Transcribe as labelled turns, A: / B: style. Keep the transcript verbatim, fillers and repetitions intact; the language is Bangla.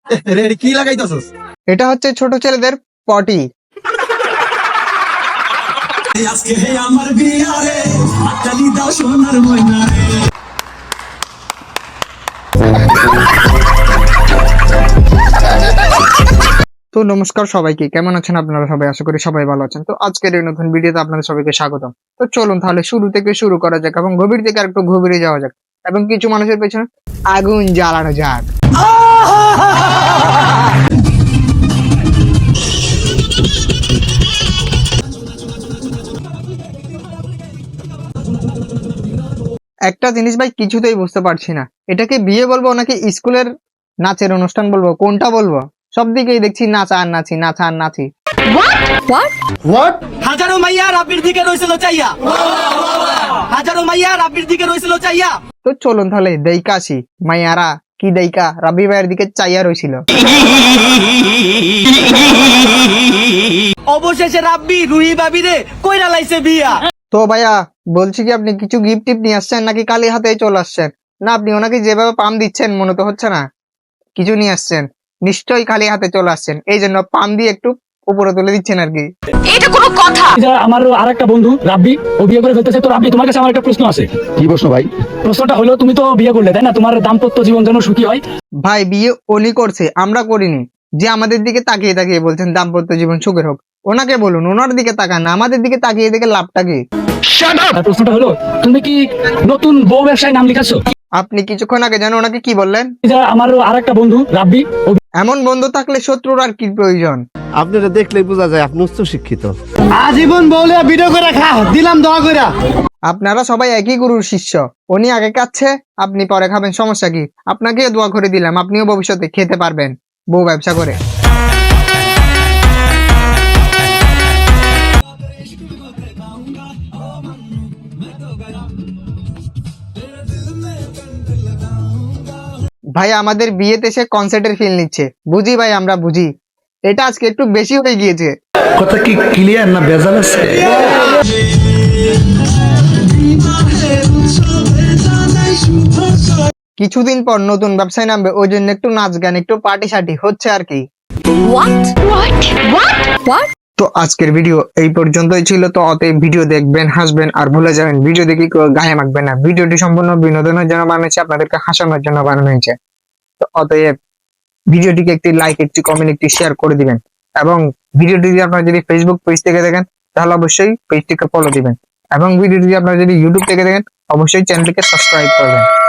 A: রেডি কি লাগাইতাছস?
B: এটা হচ্ছে ছোট ছেলেদের পটি।
A: আজকে হে আমার বিয়ারে হাততালি দাও সোনার ময়না রে।
B: তো নমস্কার সবাইকে, কেমন আছেন আপনারা সবাই? আশা করি সবাই ভালো আছেন। তো আজকের এই নতুন ভিডিওতে আপনাদের সবাইকে স্বাগতম। তো চলুন তাহলে শুরু থেকে শুরু করা যাক এবং গভীর থেকে আরেকটু গভীরে যাওয়া যাক এবং কিছু মানুষের পেছনে আগুন জ্বালানো যাক। একটা জিনিস ভাই কিছুতেই বুঝতে পারছি না, এটাকে বিয়ে বলবো নাকি স্কুলের নাচের অনুষ্ঠান বলবো, কোনটা বলবো? সব দিকেই দেখছি নাচা আর নাচি, নাচা আর নাচি।
A: হাজারো মাইয়া রাব্বির দিকে রইছিল চাইয়া, হাজারো মাইয়া রাব্বির দিকে রইছিল চাইয়া।
B: তো চলুন তাহলে দেইকা আসি, মাইয়ারা কি দেইকা রাব্বি ভাইয়ের দিকে চাইয়া রইছিল।
A: অবশেষে রাব্বি রুহি ভাবিরে কইরা লাইছে বিয়া।
B: তো ভাইয়া বলছি কি, আপনি কিছু গিফট টিপ নিয়ে আসছেন নাকি খালি হাতেই চলে আসছেন? না, আপনি ওনাকে যেভাবে পাম দিচ্ছেন মনে তো হচ্ছে না কিছু নিয়ে আসছেন, নিশ্চয়ই খালি হাতে চলে আসছেন, এই জন্য পাম দিয়ে একটু উপরে তুলে দিচ্ছেন আর কি।
C: এটা কোনো কথা?
D: আমার আরেকটা বন্ধু রাব্বি, ও বিয়ে করে ফেলতেছে। তো রাব্বি, তোমার কাছে আমার একটা প্রশ্ন আছে।
E: কি প্রশ্ন ভাই?
D: প্রশ্নটা হলো, তুমি তো বিয়ে করলে, তাই না? তোমার দাম্পত্য জীবন যেন সুখী হয়।
B: ভাই বিয়ে উনি করছে, আমরা করিনি। যে আমাদের দিকে তাকিয়ে তাকিয়ে বলছেন দাম্পত্য জীবন সুখের হোক, ওনাকে বলুন, ওনার দিকে তাকান না, আমাদের দিকে তাকিয়ে দেখে লাভটা কি?
D: আর প্রশ্নটা হলো, তুমি কি নতুন বউ ব্যবসায় নাম লিখাচ্ছ?
B: আপনি কিছুক্ষণ আগে জানো ওনাকে কি বললেন?
D: আমার আরেকটা বন্ধু রাব্বি, ও
B: এমন বন্ধু থাকলে শত্রুর আর কি প্রয়োজন?
E: আপনারা দেখলেই বোঝা যায় আপনি উচ্চ শিক্ষিত।
A: আজীবন বউলে ভিডিও করে খা দিলাম দোয়া কইরা।
B: আপনারা সবাই একই গুরুর শিষ্য, উনি আগে খাচ্ছে আপনি পরে খাবেন, সমস্যা কি? আপনাকে দোয়া করে দিলাম, আপনিও ভবিষ্যতে খেতে পারবেন বউ ব্যবসা করে। ভাই আমাদের বিয়েতে সে কনসার্টের ফিল নিচ্ছে, বুঝি ভাই, আমরা বুঝি। এটা আজকে একটু বেশি হয়ে গিয়েছে।
E: কথা কি ক্লিয়ার না ভেজাল আছে?
B: কিছুদিন পর নতুন ব্যবসায় নামবে, ওই জন্য একটু নাচ গান, একটু পার্টি সার্টি হচ্ছে আর কি।
C: What? What? What? What?
B: তো আজকের ভিডিও এই পর্যন্তই ছিল। তো অতএব ভিডিও দেখবেন, হাসবেন আর ভুলে যাবেন, ভিডিও দেখে কেউ গায়ে মাখবেন না। ভিডিওটি সম্পূর্ণ বিনোদনের জন্য বানানো হয়েছে, আপনাদেরকে হাসানোর জন্য বানানো হয়েছে। তো অতএব ভিডিওটিকে একটি লাইক, একটি কমেন্ট, একটি শেয়ার করে দিবেন এবং ভিডিওটি যদি আপনারা যদি ফেসবুক পেজ থেকে দেখেন তাহলে অবশ্যই পেজটিকে ফলো দিবেন এবং ভিডিওটি আপনারা যদি ইউটিউব থেকে দেখেন অবশ্যই চ্যানেলটিকে সাবস্ক্রাইব করবেন।